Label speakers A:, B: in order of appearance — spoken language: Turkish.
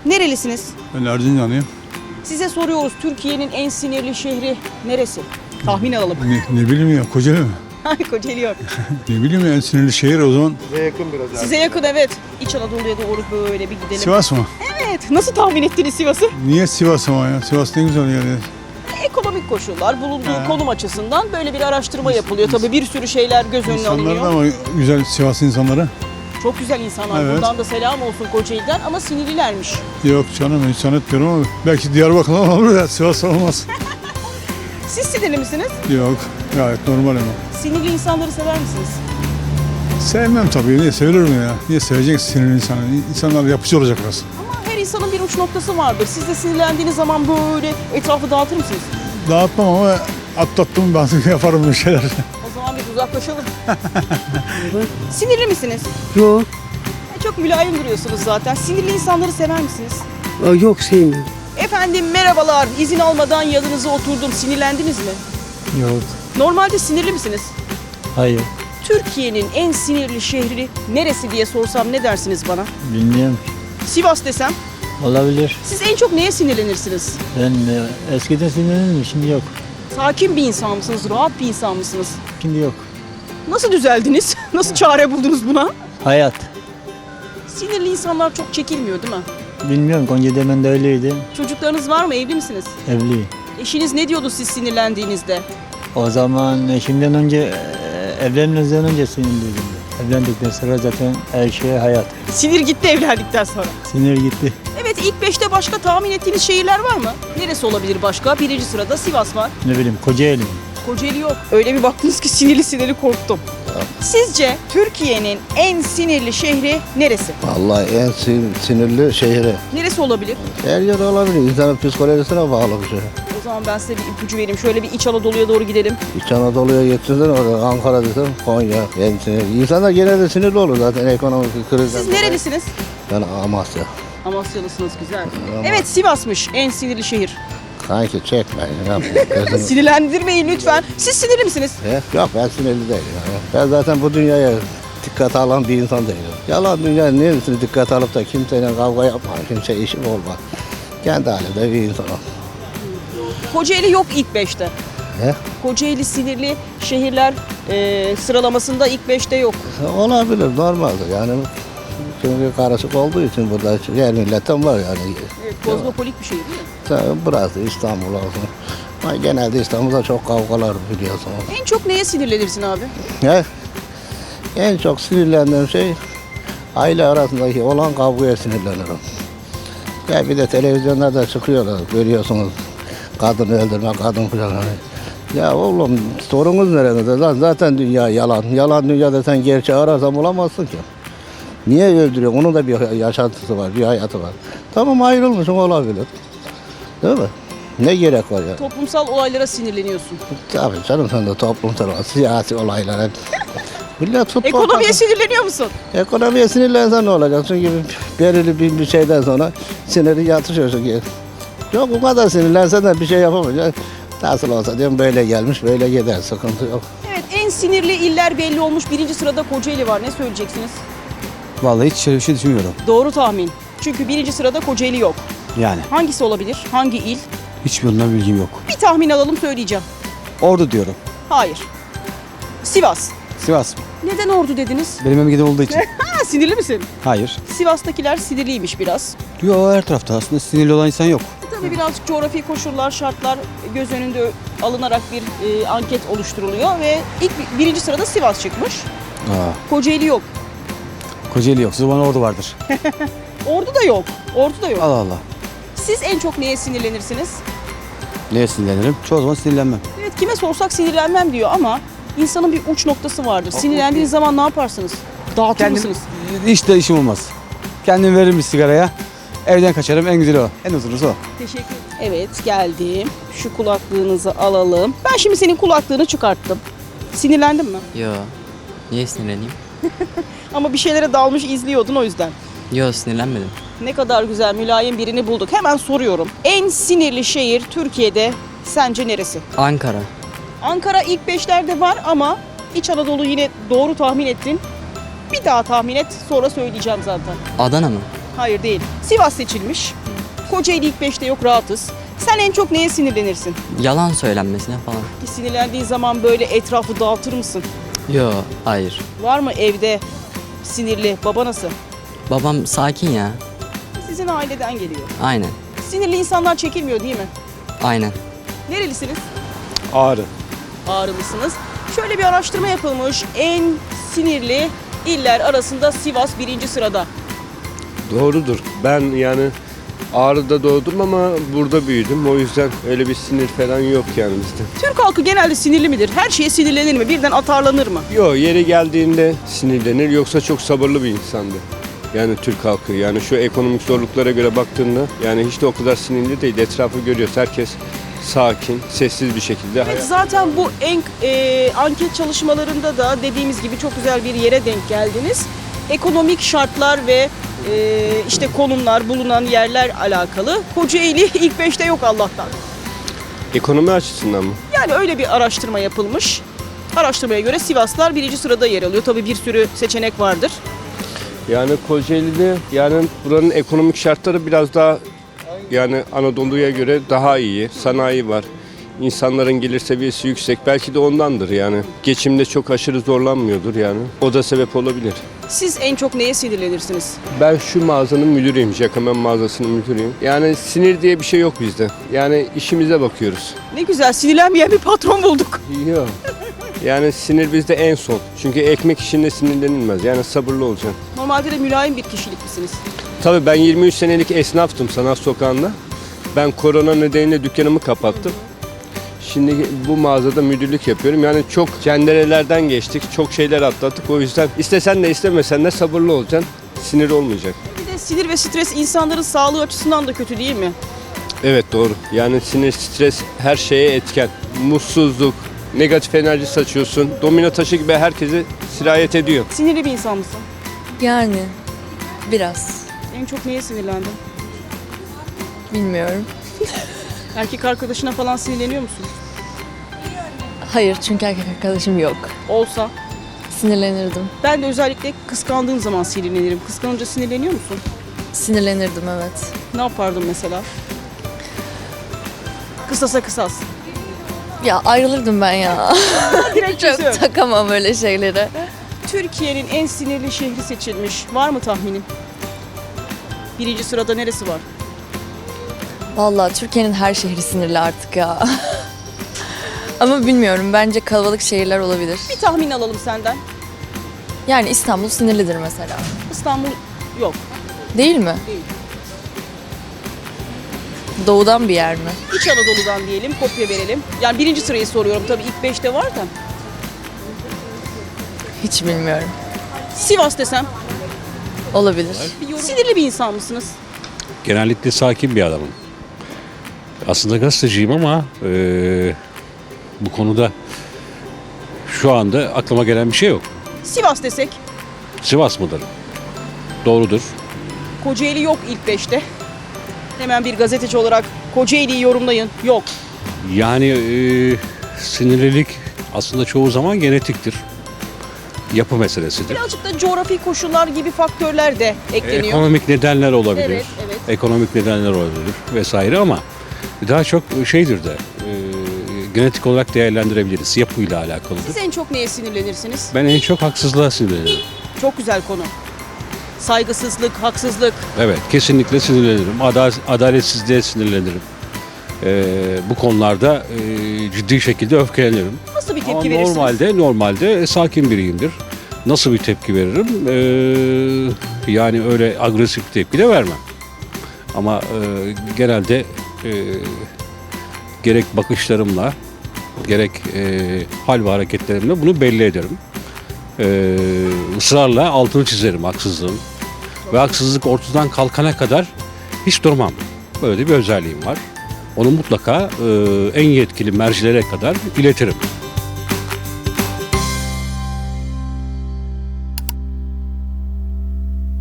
A: Nerelisiniz?
B: Ben Erzincanlıyım.
A: Size soruyoruz, Türkiye'nin en sinirli şehri neresi? Tahmin alalım.
B: Ne bileyim ya, Kocaeli mi?
A: Kocaeli yok.
B: Ne bileyim ya, en sinirli şehir o zaman.
A: Size yakın, evet. İç Anadolu'ya doğru böyle bir gidelim.
B: Sivas mı?
A: Evet. Nasıl tahmin ettiniz Sivas'ı?
B: Niye Sivas ama ya? Sivas ne güzel yer ya.
A: Ekonomik koşullar, bulunduğu konum açısından böyle bir araştırma yapılıyor. Tabii bir sürü şeyler göz önüne
B: İnsanlar
A: alınıyor.
B: da ama güzel, Sivas insanları.
A: Çok güzel insanlar.
B: Evet.
A: Buradan da selam olsun Kocaeli'den ama sinirlilermiş.
B: Yok canım, insan etmiyorum ama belki Diyarbakır'dan olur da Sivas olmaz.
A: Siz sinirli misiniz?
B: Yok, gayet normal ama.
A: Sinirli insanları sever misiniz?
B: Sevmem tabii, niye sevilir ya? Niye seveceksin sinirli insanı? İnsanlar yapıcı olacak biraz.
A: Ama her insanın bir uç noktası vardır. Siz de sinirlendiğiniz zaman böyle etrafı dağıtır mısınız?
B: Dağıtmam ama atlattım ben yaparım bir şeyler.
A: O zaman biz uzaklaşalım. Sinirli misiniz?
C: Yok,
A: Çok mülayim duruyorsunuz zaten. Sinirli insanları sever misiniz?
C: yok sevmiyorum.
A: Efendim merhabalar. İzin almadan yanınıza oturdum. Sinirlendiniz mi?
C: Yok,
A: Normalde sinirli misiniz?
C: hayır.
A: Türkiye'nin en sinirli şehri neresi diye sorsam ne dersiniz bana?
C: Bilmiyorum.
A: Sivas desem.
C: Olabilir.
A: Siz en çok neye sinirlenirsiniz?
C: Ben eskiden sinirlendim, şimdi yok.
A: Sakin bir insan mısınız? Rahat bir insan mısınız?
C: Şimdi yok.
A: Nasıl düzeldiniz? Nasıl çare buldunuz buna?
C: Hayat.
A: Sinirli insanlar çok çekilmiyor değil mi?
C: Bilmiyorum, Konya'da de öyleydi.
A: Çocuklarınız var mı? Evli misiniz?
C: Evli.
A: Eşiniz ne diyordu siz sinirlendiğinizde?
C: O zaman eşimden önce, evlenmeden önce sinirliydim. Evlendikten sonra zaten her şey hayat.
A: Sinir gitti evlendikten sonra.
C: Sinir gitti.
A: Evet, ilk 5'te başka tahmin ettiğiniz şehirler var mı? Neresi olabilir başka? Birinci sırada Sivas var.
C: Ne bileyim, Kocaeli.
A: Kocaeli yok. Öyle bir baktınız ki sinirli korktum. Sizce Türkiye'nin en sinirli şehri neresi?
D: Vallahi en sinirli şehri.
A: Neresi olabilir?
D: Her yer olabilir. İnsanın psikolojisine bağlı bir şey.
A: O zaman ben size bir ipucu vereyim. Şöyle bir İç Anadolu'ya doğru gidelim.
D: İç Anadolu'ya getirsen orada Ankara desem Konya. En sinirli. İnsanlar genelde sinirli olur zaten ekonomik krizden.
A: Siz nerelisiniz?
D: Ben Amasya.
A: Amasyalısınız, güzel. Evet, Sivas'mış en sinirli şehir.
D: Kanki çekme. Ne yapayım?
A: Sinirlendirmeyin lütfen. Siz sinirli misiniz?
D: Yok ben sinirli değilim. Ben zaten bu dünyaya dikkate alan bir insan değilim. Yalan dünya neresini dikkate alıp da kimseyle kavga yapma, kimse işim olma. Kendi halinde bir insanım.
A: Kocaeli yok ilk 5'te.
D: He?
A: Kocaeli sinirli şehirler sıralamasında ilk 5'te yok.
D: Olabilir, normaldir yani. Çünkü karışık olduğu için burada yer milletten var yani.
A: Evet, kozmopolit bir şehir değil mi?
D: Burası İstanbul olsun. Ama genelde İstanbul'da çok kavgalar biliyorsunuz.
A: En çok neye sinirlenirsin abi?
D: He? En çok sinirlendiğim şey aile arasındaki olan kavgaya sinirlenirim. Ya bir de televizyonlarda çıkıyorlar görüyorsunuz. Kadın öldürme, kadın falan. Ya oğlum sorunuz nerede? Lan zaten dünya yalan. Yalan dünyada sen gerçeği ararsan bulamazsın ki. Niye öldürüyor? Onun da bir yaşantısı var, bir hayatı var. Tamam ayrılmışım olabilir. Değil mi? Ne gerek var ya?
A: Toplumsal olaylara sinirleniyorsun.
D: Tabii canım sen de toplumsal, siyasi olaylar hep. Millet futbol
A: Ekonomiye sinirleniyor musun?
D: Ekonomiye sinirlensen ne olacak? Çünkü belirli bir şeyden sonra siniri yatışıyor çünkü. Yok bu kadar sinirlensen de bir şey yapamayacaksın. Nasıl olsa diyorum böyle gelmiş böyle gider sıkıntı yok.
A: Evet, en sinirli iller belli olmuş. Birinci sırada Kocaeli var. Ne söyleyeceksiniz?
E: Vallahi hiç şöyle bir şey düşünmüyorum.
A: Doğru tahmin. Çünkü birinci sırada Kocaeli yok.
E: Yani
A: Hangisi olabilir? Hangi il?
E: hiçbirinden bilgim yok.
A: Bir tahmin alalım, söyleyeceğim.
E: Ordu diyorum.
A: Hayır. Sivas.
E: Sivas mı?
A: Neden Ordu dediniz?
E: Benim memleketim olduğu için.
A: Ha, sinirli misin?
E: Hayır.
A: Sivas'takiler sinirliymiş biraz.
E: Yo, her tarafta aslında sinirli olan insan yok.
A: Tabii birazcık coğrafi koşullar, şartlar göz önünde alınarak bir anket oluşturuluyor ve birinci sırada Sivas çıkmış. Kocaeli yok.
E: Kocaeli yok. O zaman Ordu vardır.
A: Ordu da yok. Ordu da yok.
E: Allah Allah.
A: Siz en çok neye sinirlenirsiniz?
E: Neye sinirlenirim? Çoğu zaman sinirlenmem.
A: Evet, kime sorsak sinirlenmem diyor ama insanın bir uç noktası vardır. Sinirlendiğiniz zaman ne yaparsınız? Dağıtır mısınız?
E: Hiç de işim olmaz. Kendim veririm bir sigaraya. Evden kaçarım. En güzeli o. En huzurusu o.
A: Teşekkür ederim. Evet, geldim. Şu kulaklığınızı alalım. Ben şimdi senin kulaklığını çıkarttım. Sinirlendin mi?
F: Yo. Niye sinirleneyim?
A: Ama bir şeylere dalmış izliyordun o yüzden.
F: Yo, sinirlenmedim.
A: Ne kadar güzel, mülayim birini bulduk. Hemen soruyorum. En sinirli şehir Türkiye'de sence neresi?
F: Ankara.
A: Ankara ilk 5'lerde var ama İç Anadolu yine doğru tahmin ettin. Bir daha tahmin et, sonra söyleyeceğim zaten.
F: Adana mı?
A: Hayır değil. Sivas seçilmiş. Kocaeli ilk 5'te yok, rahatız. Sen en çok neye sinirlenirsin?
F: Yalan söylenmesine falan.
A: Sinirlendiğin zaman böyle etrafı dağıtır mısın?
F: Yo, hayır.
A: Var mı evde sinirli? Baba nasıl?
F: Babam sakin ya.
A: Sizin aileden geliyor.
F: Aynen.
A: Sinirli insanlar çekilmiyor değil mi?
F: Aynen.
A: Nerelisiniz?
B: Ağrı.
A: Ağrılısınız. Şöyle bir araştırma yapılmış. En sinirli iller arasında Sivas 1. sırada.
G: Doğrudur. Ben yani Ağrı'da doğdum ama burada büyüdüm. O yüzden öyle bir sinir falan yok yani bizde.
A: Türk halkı genelde sinirli midir? Her şeye sinirlenir mi? Birden atarlanır mı?
G: Yok, yeri geldiğinde sinirlenir, yoksa çok sabırlı bir insandı. Yani Türk halkı, yani şu ekonomik zorluklara göre baktığında yani hiç de o kadar sinirli değil. Etrafı görüyoruz, herkes sakin, sessiz bir şekilde.
A: Evet, zaten bu anket çalışmalarında da dediğimiz gibi çok güzel bir yere denk geldiniz. Ekonomik şartlar ve işte konumlar, bulunan yerler alakalı. Kocaeli ilk 5'te yok Allah'tan.
G: Ekonomi açısından mı?
A: Yani öyle bir araştırma yapılmış. Araştırmaya göre Sivaslar 1. sırada yer alıyor. Tabii bir sürü seçenek vardır.
G: Yani Kocaeli'de yani buranın ekonomik şartları biraz daha yani Anadolu'ya göre daha iyi. Sanayi var. İnsanların gelir seviyesi yüksek. Belki de ondandır yani. Geçimde çok aşırı zorlanmıyordur yani. O da sebep olabilir.
A: Siz en çok neye sinirlenirsiniz?
G: Ben şu mağazanın müdürüyüm. Jacquemin mağazasının müdürüyüm. Yani sinir diye bir şey yok bizde. Yani işimize bakıyoruz.
A: Ne güzel, sinirlenmeyen bir patron bulduk.
G: Yok. Yani sinir bizde en son. Çünkü ekmek işinde sinirlenilmez. Yani sabırlı olacaksın.
A: Normalde de mülayim bir kişilik misiniz?
G: Tabii ben 23 senelik esnaftım Sanat Sokağı'nda. Ben korona nedeniyle dükkanımı kapattım. Şimdi bu mağazada müdürlük yapıyorum. Yani çok cenderelerden geçtik, çok şeyler atlattık. O yüzden istesen de istemesen de sabırlı olacaksın. Sinir olmayacak.
A: Bir de sinir ve stres insanların sağlığı açısından da kötü değil mi?
G: Evet, doğru. Yani sinir, stres her şeye etken. Mutsuzluk, negatif enerji saçıyorsun. Domino taşı gibi herkesi sirayet ediyor.
A: Sinirli bir insan mısın?
H: Yani biraz.
A: En çok neye sinirlendin?
H: Bilmiyorum.
A: Erkek arkadaşına falan sinirleniyor musun?
H: Hayır, çünkü erkek arkadaşım yok.
A: Olsa.
H: Sinirlenirdim.
A: Ben de özellikle kıskandığım zaman sinirlenirim. Kıskanınca sinirleniyor musun?
H: Sinirlenirdim, evet.
A: Ne yapardın mesela? Kısasa kısas.
H: Ya ayrılırdım ben ya.
A: Direkt
H: Çok
A: çözüm.
H: takamam öyle şeylere.
A: Türkiye'nin en sinirli şehri seçilmiş. Var mı tahminin? 1. sırada neresi var?
H: Vallahi Türkiye'nin her şehri sinirli artık ya. Ama bilmiyorum, bence kalabalık şehirler olabilir.
A: Bir tahmin alalım senden.
H: Yani İstanbul sinirlidir mesela.
A: İstanbul yok.
H: Değil mi?
A: Değil.
H: Doğudan bir yer mi?
A: İç Anadolu'dan diyelim, kopya verelim. Yani 1. sırayı soruyorum, tabii ilk 5'te var da.
H: Hiç bilmiyorum.
A: Sivas desem.
H: Olabilir.
A: Sinirli bir insan mısınız?
I: Genellikle sakin bir adamım. Aslında gazeteciyim ama bu konuda şu anda aklıma gelen bir şey yok.
A: Sivas desek.
I: Sivas mıdır? Doğrudur.
A: Kocaeli yok ilk 5'te. Hemen bir gazeteci olarak Kocaeli'yi yorumlayın. Yok.
I: Yani sinirlilik aslında çoğu zaman genetiktir. Yapı meselesidir.
A: Birazcık da coğrafi koşullar gibi faktörler de ekleniyor.
I: Ekonomik nedenler olabilir.
A: Evet, evet.
I: Ekonomik nedenler olabilir vesaire ama daha çok şeydir de genetik olarak değerlendirebiliriz. Yapıyla alakalıdır.
A: Siz en çok neye sinirlenirsiniz?
I: Ben en çok haksızlığa sinirlenirim.
A: Çok güzel konu. Saygısızlık, haksızlık.
I: Evet, kesinlikle sinirlenirim. Adaletsizliğe sinirlenirim. Bu konularda ciddi şekilde öfkelenirim.
A: Nasıl bir
I: Ama
A: tepki verirsiniz?
I: normalde sakin biriyimdir. Nasıl bir tepki veririm? Yani öyle agresif bir tepki de vermem. Ama genelde gerek bakışlarımla, gerek hal ve hareketlerimle bunu belli ederim. Israrla altını çizerim haksızlığın. Ve haksızlık ortadan kalkana kadar hiç durmam. Böyle bir özelliğim var. Onu mutlaka en yetkili mercilere kadar iletirim.